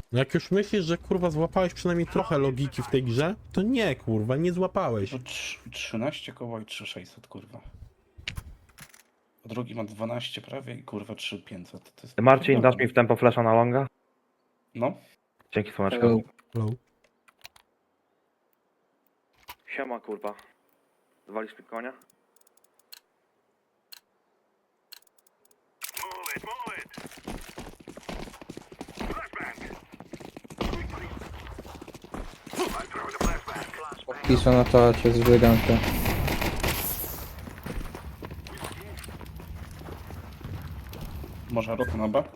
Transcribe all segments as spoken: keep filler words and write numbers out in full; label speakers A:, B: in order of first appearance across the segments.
A: No jak już myślisz, że kurwa złapałeś przynajmniej trochę logiki w tej grze, to nie kurwa, nie złapałeś.
B: To trz- trzynaście koła i trzy tysiące sześćset, kurwa. A drugi ma dwanaście prawie i kurwa trzy tysiące pięćset. To jest
C: Marcin, dasz
B: pierdolone.
C: mi w tempo flasha na longa?
B: No.
C: Dzięki słoneczko.
D: Hello.
A: Hello.
C: Siema kurwa. Zwalisz mi konia?
D: Piszę na czacie z wygankę.
B: Może rota na B?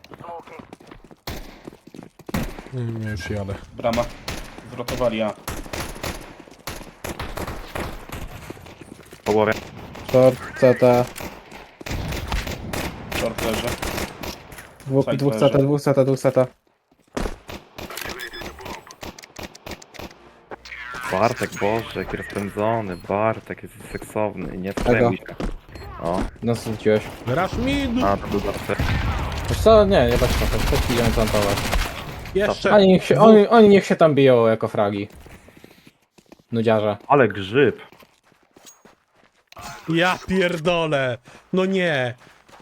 A: Nie, nie, już jadę.
B: Brama. Zwrotowali A.
C: Po głowie.
D: Short, C T.
B: Short leży.
D: Dwóch,
B: Side
D: dwóch
B: leży.
D: C T, dwóch C T, dwóch C T.
C: Bartek, Boże, jaki rozpędzony. Bartek jest seksowny. Nie przejmuj się. O,
D: No co rzuciłeś?
A: Rush mid!
C: a to był zawsze.
D: Wiesz co? Nie, nie bać się, też idziemy plantować.
A: Jeszcze!
D: Oni niech się, oni, oni niech się tam biją jako fragi. Nudziarze.
C: Ale grzyb.
A: Ja pierdolę! No nie!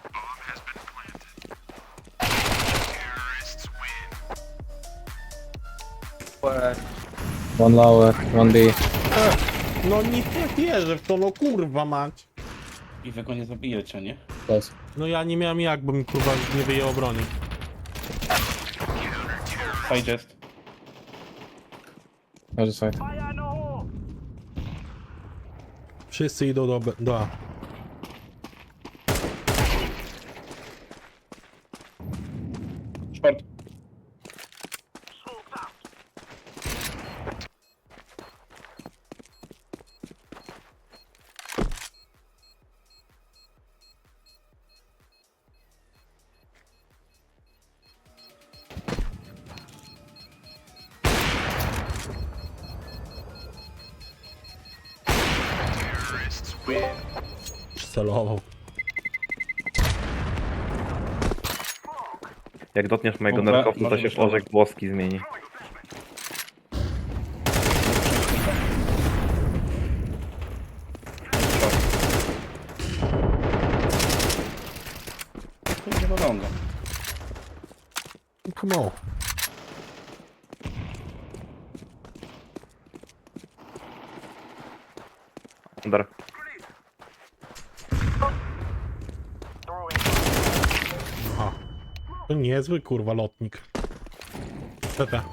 D: One lower, one B.
A: No nie wierzę w to, no kurwa mać!
B: I wy go nie zabijecie, nie?
D: Close.
A: No ja nie miałem jak, bo mi kurwa nie wyjęło broni.
B: Side jest.
D: Leży side.
A: Wszyscy idą do, B- do A.
B: Short.
A: Celował.
C: Jak dotniesz mojego
B: Dobra,
C: nerkowca, to
B: może
C: się
B: być
C: porzek włoski zmieni.
B: To idzie do longa.
A: Come on.
C: Under.
A: Aha. To niezły kurwa lotnik. C T.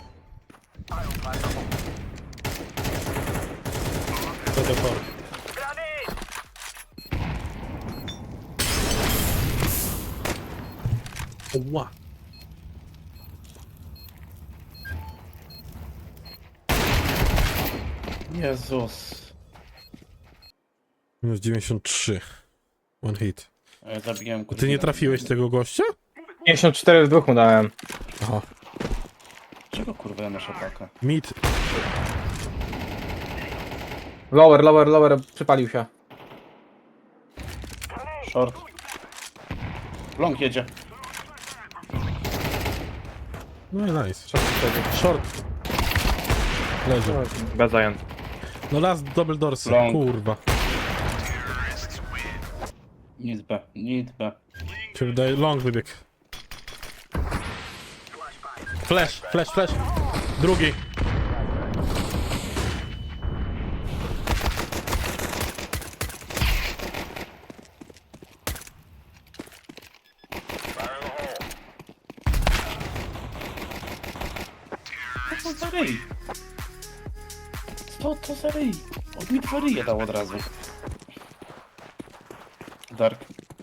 A: C T tor. Ła.
B: Jezus.
A: Minus dziewięćdziesiąt trzy. One hit.
B: A ja zabiłem
A: A ty nie trafiłeś tego gościa?
D: pięćdziesiąt cztery w dwóch mu dałem.
A: Aha.
B: Czego kurwa ja noszę pakę?
A: Mid.
D: Lower, lower, lower, przypalił się.
B: Short. Long jedzie.
A: No i nice.
D: Short wtedy.
A: Short. Leży.
C: Bez zajęt.
A: No last double dorsy.
B: Long.
A: Kurwa.
B: Nic B. Nic B.
A: Się wydaje, long wybieg. Flash, flash, flash. Drugi.
B: Co to za ryj? Co to za ryj? Od mi dwa ryje dał od razu. Dark.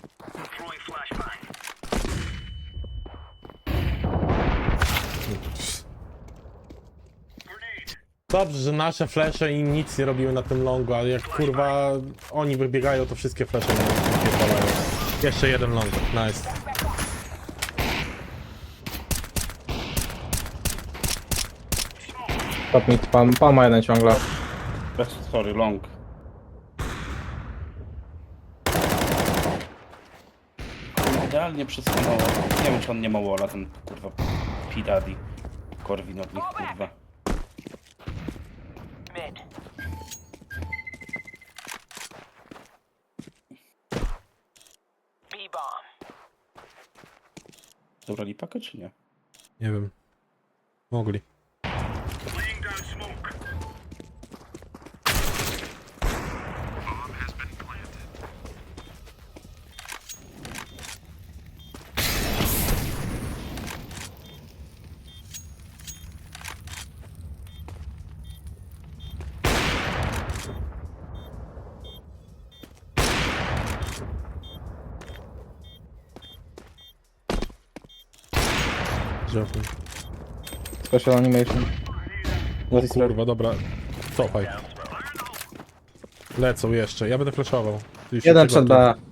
A: Dobrze, że nasze flesze im nic nie robiły na tym longu, ale jak kurwa oni wybiegają, to wszystkie flesze nam wypierdalają. Jeszcze jeden long, nice.
D: Top mid, pan, pan ma jeden ciągle.
B: Bez, sorry, long. Idealnie przesunęło. Nie wiem, czy on nie ma walla, ten kurwa P-Daddy. Korwin od nich, kurwa.
E: Mid. B-bomb.
B: Zabrali pakę, czy nie?
A: Nie wiem. Mogli. Żartuję.
D: Special animation.
A: O kurwa, dobra. Cofaj. Lecą jeszcze, ja będę flashował. Ty się
D: Jeden przed
A: przygotuj.
D: B.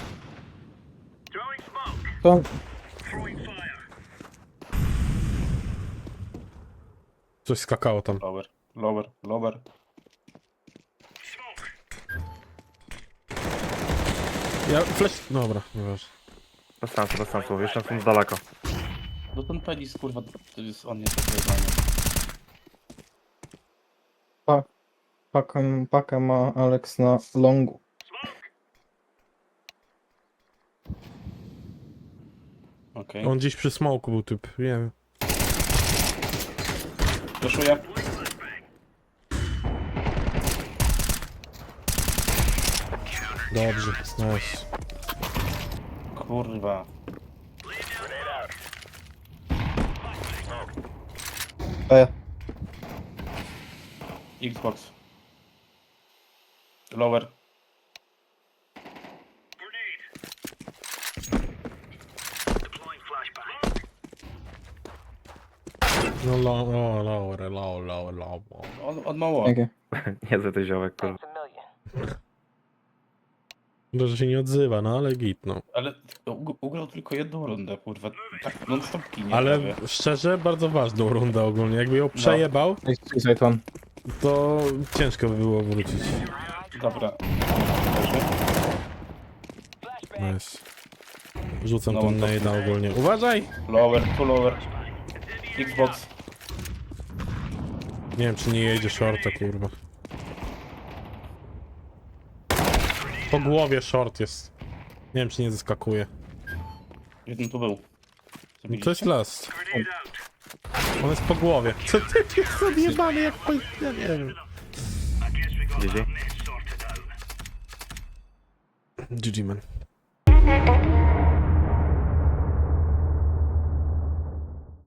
D: To
A: Coś skakało tam.
B: Lower, lower, lower.
A: Ja flash... Dobra, nieważne.
C: Bez sensu, bez sensu, jeszcze są z daleko.
B: No ten penis, kurwa, to jest on jest wyjebany.
D: pa, pakę, pakę ma Alex na longu.
B: Okej.
A: On gdzieś przy smoku był typ, wiem.
B: Doszuję.
A: Dobrze, nice.
B: Kurwa.
D: B.
B: Xbox. Lower.
A: No low, o, lower, low, low, low.
B: On, on mało.
D: Dzięki.
C: Niezły ten ziołek, kurwa.
E: Thanks a million.
A: Dobrze, że się nie odzywa, no ale git, no.
B: Ale ug- ugrał tylko jedną rundę, kurwa. Tak non stop kinie
A: Ale
B: prawie.
A: szczerze, bardzo ważną rundę ogólnie. Jakby ją przejebał,
D: Suicide one.
A: to ciężko by było wrócić.
B: Dobra. Leży.
A: Nice. Rzucam
B: No,
A: ten
B: to-
A: nade'a ogólnie. Uważaj!
B: Lower, tu lower. Xbox.
A: Nie wiem, czy nie jedzie shorta, kurwa. Po głowie short jest. Nie wiem, czy nie zeskakuje.
B: Jeden tu był.
A: No to jest last. On jest po głowie. Co ty jest odjebany jak po... Ja nie wiem.
C: G G.
A: G G man.